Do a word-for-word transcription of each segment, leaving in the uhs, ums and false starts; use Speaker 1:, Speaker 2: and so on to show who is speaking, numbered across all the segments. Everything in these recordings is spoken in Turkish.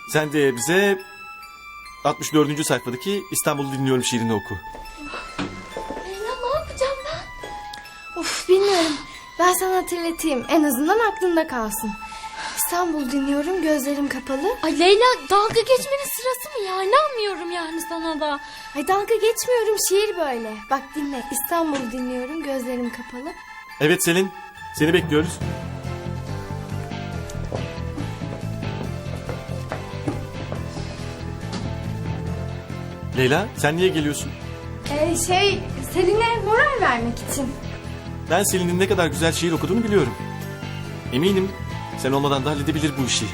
Speaker 1: Sen de bize altmış dördüncü sayfadaki İstanbul'u dinliyorum şiirini oku.
Speaker 2: Leyla ne yapacağım ben? Of bilmiyorum. Ben sana hatırlatayım. En azından aklında kalsın. İstanbul dinliyorum, gözlerim kapalı.
Speaker 3: Ay Leyla, dalga geçmenin sırası mı ya? İnanmıyorum yani sana da.
Speaker 2: Ay dalga geçmiyorum, şiir böyle. Bak dinle. İstanbul dinliyorum, gözlerim kapalı.
Speaker 1: Evet Selin, seni bekliyoruz. Leyla, sen niye geliyorsun?
Speaker 2: Ee, şey, Selin'e moral vermek için.
Speaker 1: Ben Selin'in ne kadar güzel şiir okuduğunu biliyorum. Eminim sen olmadan da halledebilir bu işi.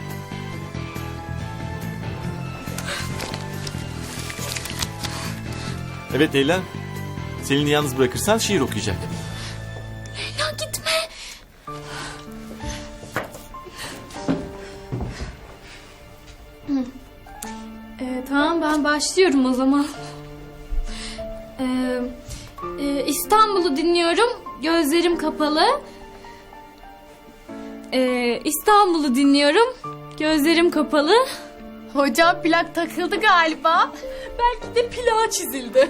Speaker 1: Evet Leyla, Selin'i yalnız bırakırsan şiir okuyacak.
Speaker 3: Leyla gitme. Ee, tamam ben başlıyorum o zaman. Ee, e, İstanbul'u dinliyorum, gözlerim kapalı. Ee, İstanbul'u dinliyorum, gözlerim kapalı.
Speaker 4: Hocam plak takıldı galiba.
Speaker 3: Belki de plağa çizildi.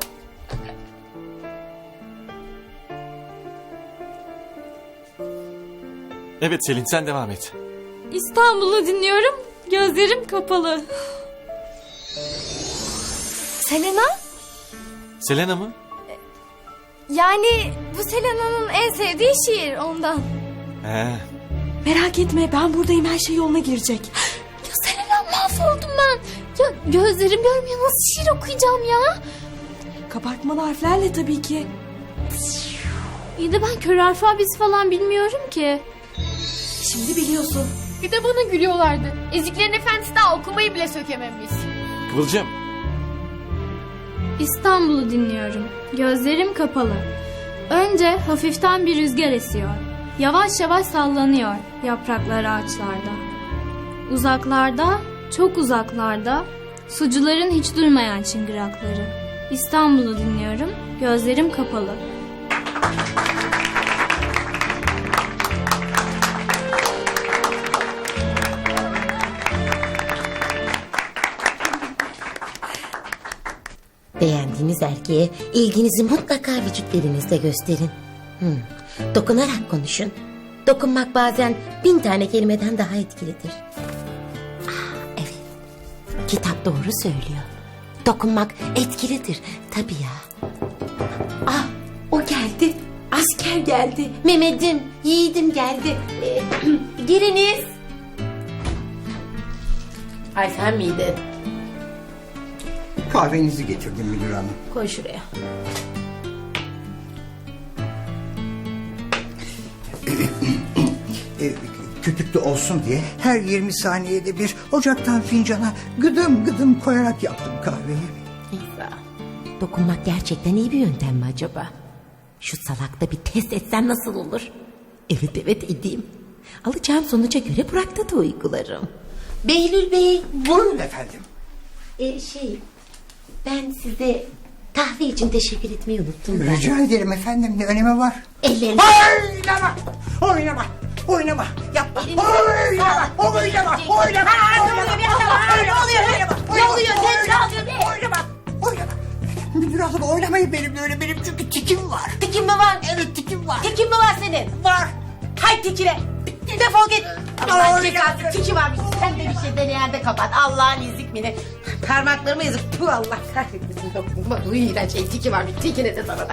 Speaker 1: Evet Selin, sen devam et.
Speaker 3: İstanbul'u dinliyorum, gözlerim kapalı.
Speaker 2: Selena?
Speaker 1: Selena mı?
Speaker 2: Yani bu Selena'nın en sevdiği şiir ondan.
Speaker 1: He.
Speaker 4: Merak etme, ben buradayım, her şey yoluna girecek.
Speaker 3: Ya Selena, mahvoldum ben. Ya gözlerim görmüyor, nasıl şiir okuyacağım ya?
Speaker 4: Kabartmalı harflerle tabii ki.
Speaker 3: İyi de ben kör alfabesi falan bilmiyorum ki.
Speaker 4: Şimdi biliyorsun.
Speaker 5: Bir de bana gülüyorlardı. Eziklerin efendisi daha okumayı bile sökememiş.
Speaker 1: Kıvılcım.
Speaker 3: İstanbul'u dinliyorum, gözlerim kapalı. Önce hafiften bir rüzgar esiyor. Yavaş yavaş sallanıyor yapraklar ağaçlarda. Uzaklarda, çok uzaklarda, sucuların hiç durmayan çıngırakları. İstanbul'u dinliyorum, gözlerim kapalı.
Speaker 6: Beğendiğiniz erkeğe ilginizi mutlaka vücutlerinizde gösterin. Hmm. Dokunarak konuşun. Dokunmak bazen bin tane kelimeden daha etkilidir. Ah, evet. Kitap doğru söylüyor. Dokunmak etkilidir. Tabii ya. Ah, o geldi. Asker geldi. Mehmet'im, yiğidim geldi. Ee, giriniz. Ay sen miydin?
Speaker 7: Kahvenizi getirdim müdür hanım.
Speaker 6: Koy şuraya.
Speaker 7: E, köpüklü olsun diye her yirmi saniyede bir ocaktan fincana gıdım gıdım koyarak yaptım kahveyi.
Speaker 6: İsa, dokunmak gerçekten iyi bir yöntem mi acaba? Şu salakta bir test etsem nasıl olur? Evet evet edeyim. Alacağım sonuca göre Burak'ta da uygularım. Behlül Bey.
Speaker 7: Buyurun efendim.
Speaker 6: E, şey, ben size kahve için teşekkür etmeyi unuttum. da.
Speaker 7: Rica ederim efendim, ne önemi var?
Speaker 6: Ellerinizi...
Speaker 7: Oynama! Oynama! Oynama! Yapma! Oynama! Oynama! Oynama! Oynama! Ne oluyor? Ne oluyor? Oynama! Oynama! Müdür hanım oynamayın benimle öyle, benim çünkü tikim var.
Speaker 6: Tikin mi var?
Speaker 7: Evet tikim var.
Speaker 6: Tikin mi var senin?
Speaker 7: Var.
Speaker 6: Hay tikine. Defol git. Allah cezası tiki varmış. Sen de bir şey deneyende kapat. Allah'ın izikmini. Parmaklarıma yazıp puh Allah kahretmesin. Dokunma. Bu iğrenç şey tiki varmış. Tikine de sana da.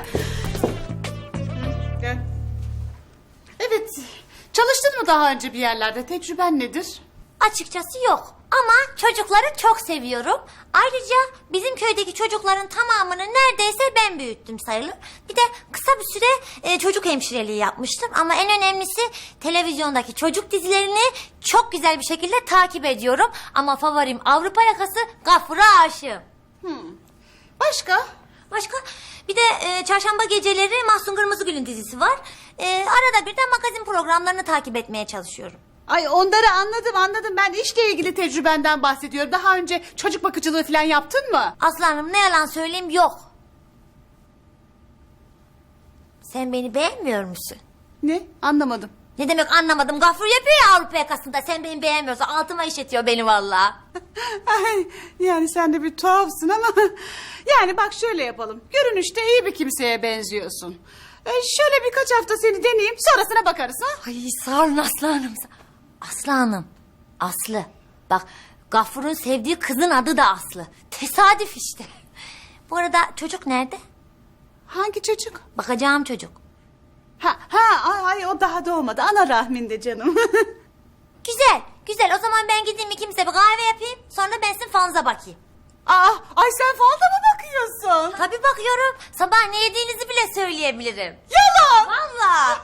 Speaker 5: Evet. Çalıştın mı daha önce bir yerlerde? Tecrüben nedir?
Speaker 8: Açıkçası yok ama çocukları çok seviyorum. Ayrıca bizim köydeki çocukların tamamını neredeyse ben büyüttüm sayılır. Bir de kısa bir süre e, çocuk hemşireliği yapmıştım. Ama en önemlisi televizyondaki çocuk dizilerini çok güzel bir şekilde takip ediyorum. Ama favorim Avrupa Yakası, Gafur'a aşığım.
Speaker 5: Başka?
Speaker 8: Başka bir de e, çarşamba geceleri Mahsun Kırmızıgül'ün dizisi var. E, arada bir de magazin programlarını takip etmeye çalışıyorum.
Speaker 5: Ay onları anladım anladım. Ben işle ilgili tecrübenden bahsediyorum. Daha önce çocuk bakıcılığı falan yaptın mı?
Speaker 8: Aslanım ne yalan söyleyeyim yok. Sen beni beğenmiyor musun?
Speaker 5: Ne? Anlamadım.
Speaker 8: Ne demek anlamadım. Gafur yapıyor ya Avrupa yakasında. Sen beni beğenmiyorsan altıma işletiyor beni vallahi.
Speaker 5: Ay, yani sen de bir tuhafsın ama... Yani bak şöyle yapalım. Görünüşte iyi bir kimseye benziyorsun. Ee, şöyle birkaç hafta seni deneyeyim, sonrasına bakarız ha.
Speaker 8: Ay sağ olun Aslı Hanım. Aslı Hanım. Aslı. Bak Gafur'un sevdiği kızın adı da Aslı. Tesadüf işte. Bu arada çocuk nerede?
Speaker 5: Hangi çocuk?
Speaker 8: Bakacağım çocuk.
Speaker 5: Ha, ha ay, ay, o daha doğmadı. Ana rahminde canım.
Speaker 8: Güzel, güzel. O zaman ben gideyim ikimize bir kahve yapayım. Sonra ben sizin fanuza bakayım.
Speaker 5: Aa, ay sen falda mı bakıyorsun?
Speaker 8: Tabii bakıyorum. Sabah ne yediğinizi bile söyleyebilirim.
Speaker 5: Yalan.
Speaker 8: Vallahi.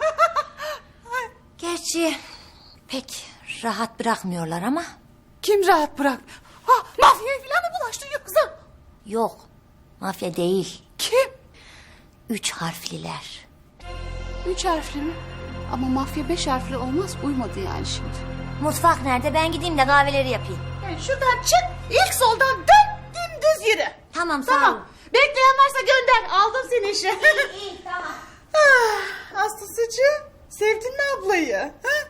Speaker 8: Gerçi pek rahat bırakmıyorlar ama.
Speaker 5: Kim rahat bırak? Ha, mafyaya falan mı bulaştın yoksa?
Speaker 8: Yok, mafya değil.
Speaker 5: Kim?
Speaker 8: Üç harfliler.
Speaker 5: Üç harfli mi? Ama mafya beş harfli olmaz, uymadı yani şimdi.
Speaker 8: Mutfak nerede? Ben gideyim de kahveleri yapayım.
Speaker 5: Yani şuradan çık, ilk soldan dön, dümdüz yürü.
Speaker 8: Tamam, sağ
Speaker 5: Tamam.
Speaker 8: olun.
Speaker 5: Bekleyen varsa gönder, aldım seni işe.
Speaker 8: İyi, iyi, tamam.
Speaker 5: Ah, Aslıcığım, sevdin mi ablayı? Ha?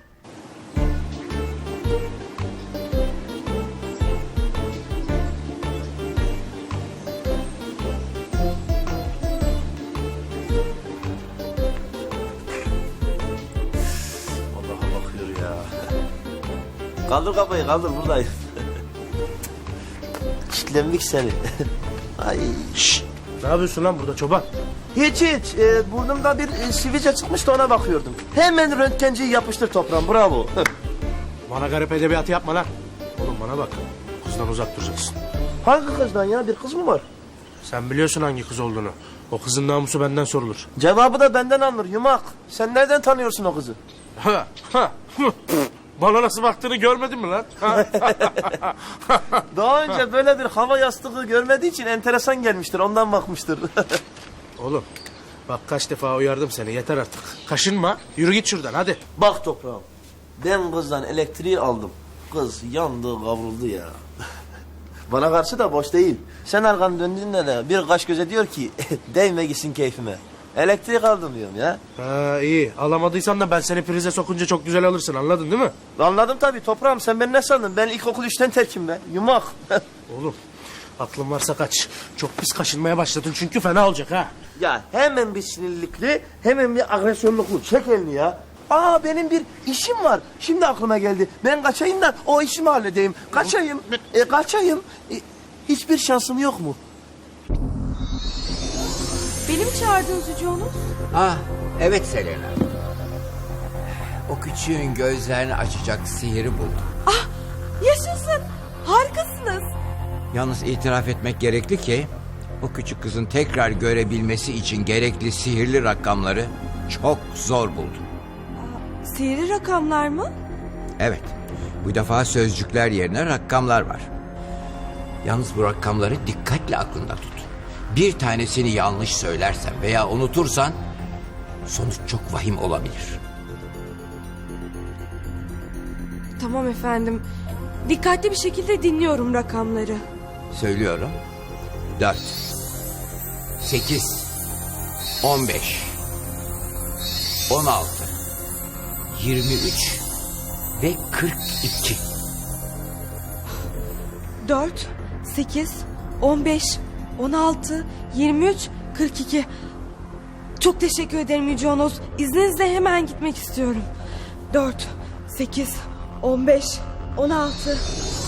Speaker 9: Allah'a bakıyor ya. Kaldır kafayı kaldır buradayım. Çitlendik seni. Ay.
Speaker 10: Şşt! Ne yapıyorsun lan burada çoban?
Speaker 9: Hiç hiç. Ee, burnumda bir e, sivilce çıkmıştı ona bakıyordum. Hemen röntgenciyi yapıştır toprağım bravo.
Speaker 10: Bana garip edebiyatı yapma lan. Oğlum bana bak. Kızdan uzak duracaksın.
Speaker 9: Hangi kızdan ya bir kız mı var?
Speaker 10: Sen biliyorsun hangi kız olduğunu. O kızın namusu benden sorulur.
Speaker 9: Cevabı da benden alınır yumak. Sen nereden tanıyorsun o kızı?
Speaker 10: Ha, ha, hı. Bana nasıl baktığını görmedin mi lan? Ha?
Speaker 9: Daha önce böyle bir hava yastığı görmediği için enteresan gelmiştir ondan bakmıştır.
Speaker 10: Oğlum bak kaç defa uyardım seni yeter artık. Kaşınma yürü git şuradan hadi.
Speaker 9: Bak toprağım. Ben kızdan elektriği aldım. Kız yandı kavruldu ya. Bana karşı da boş değil. Sen arkanı döndüğünde de bir kaş göze diyor ki değme gitsin keyfime. Elektrik aldım diyorum ya.
Speaker 10: Ha iyi alamadıysan da ben seni prize sokunca çok güzel alırsın anladın değil mi?
Speaker 9: Anladım tabii toprağım sen beni ne sandın? Ben ilkokul üçten terkim be. Yumak.
Speaker 10: Oğlum aklın varsa kaç. Çok pis kaşınmaya başladın çünkü fena olacak ha.
Speaker 9: Ya hemen bir sinirlikli hemen bir agresyonluklu. Çek elini ya. Aa benim bir işim var. Şimdi aklıma geldi. Ben kaçayım da o işimi halledeyim. Kaçayım. E, kaçayım. E, hiçbir şansım yok mu?
Speaker 4: Beni mi çağırdınız Yüce Onur?
Speaker 11: Ah, evet Selena. O küçüğün gözlerini açacak sihiri buldum.
Speaker 4: Ah, yaşasın. Harikasınız.
Speaker 11: Yalnız itiraf etmek gerekli ki o küçük kızın tekrar görebilmesi için gerekli sihirli rakamları çok zor buldum.
Speaker 4: Sihirli rakamlar mı?
Speaker 11: Evet, bu defa sözcükler yerine rakamlar var. Yalnız bu rakamları dikkatle aklında tut. Bir tanesini yanlış söylersen veya unutursan sonuç çok vahim olabilir.
Speaker 4: Tamam efendim. Dikkatli bir şekilde dinliyorum rakamları.
Speaker 11: Söylüyorum. Dört, sekiz, on beş, on altı, yirmi üç ve kırk iki.
Speaker 4: Dört, sekiz, on beş, on altı, yirmi üç, kırk iki. Çok teşekkür ederim Yüce Onos. İzninizle hemen gitmek istiyorum. Dört, sekiz, on beş, on altı,